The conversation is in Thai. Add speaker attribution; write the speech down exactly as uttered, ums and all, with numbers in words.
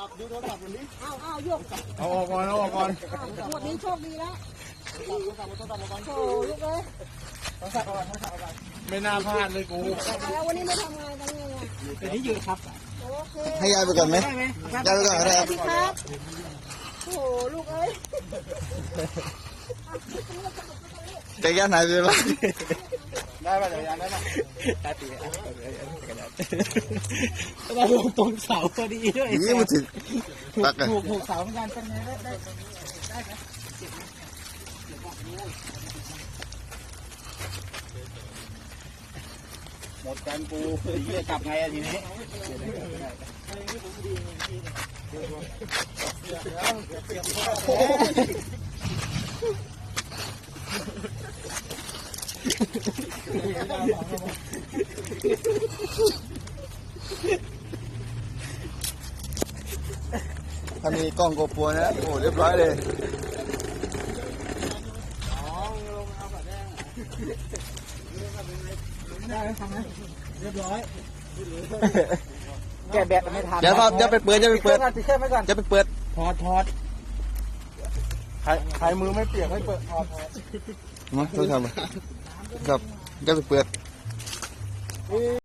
Speaker 1: ศัพท์ดูโทรศัพท์วันนี้
Speaker 2: เอาเอายก
Speaker 1: เอาออกก่อนเอาออกก่อน
Speaker 2: หมดนี้โชคดีแล้ว
Speaker 1: โทรศัพท์โทรศัพท์โทรศัพท์
Speaker 2: โอ้ลูกเอ้ย
Speaker 1: โทรศัพท์เอาโทรศัพท์เอาไม่น่าพลาดเลยกู
Speaker 2: แล้ววันนี้ไม่ทำงานกันไงอ่ะ
Speaker 1: เดี๋ยวนี้ยืนครับ
Speaker 2: โอเค
Speaker 3: ให้ยายไปก่อนไหมยายไปก่อนก็ได้
Speaker 2: ส
Speaker 3: ค
Speaker 2: วั
Speaker 3: รับ
Speaker 2: สดีครับโอ้ลูกเอ้ย
Speaker 3: จักรยานหายไปไหน
Speaker 1: ได้ป่ะจักรยานได้ป่ะ
Speaker 4: ตาตีอ่ะเราลงตรงเสาพอดีด้วย
Speaker 3: นี่มันถึงปักอะ
Speaker 4: ถูกถูกเสาเหมือนกันเป็นไงได้ได้ไหม
Speaker 1: หมดกันกูเหี้ยกลับไงอะทีนี้
Speaker 3: ถ้ามีกล้องโกโปรนะโอ้เรียบร้อยเลย
Speaker 4: ได้ทำไหมเรียบร้อยแกแบตไม่ทัน
Speaker 3: อย่าครับอย่าไปเปิดอย่าไปเปิด
Speaker 4: ติดเครื่องไว้ก่อน
Speaker 3: อย่าไปเปิด
Speaker 4: ถอดถอด
Speaker 1: ใครใครมือไม่เปียกให้เปิดถอด
Speaker 3: มาต้องทำครับอย่าไปเปิด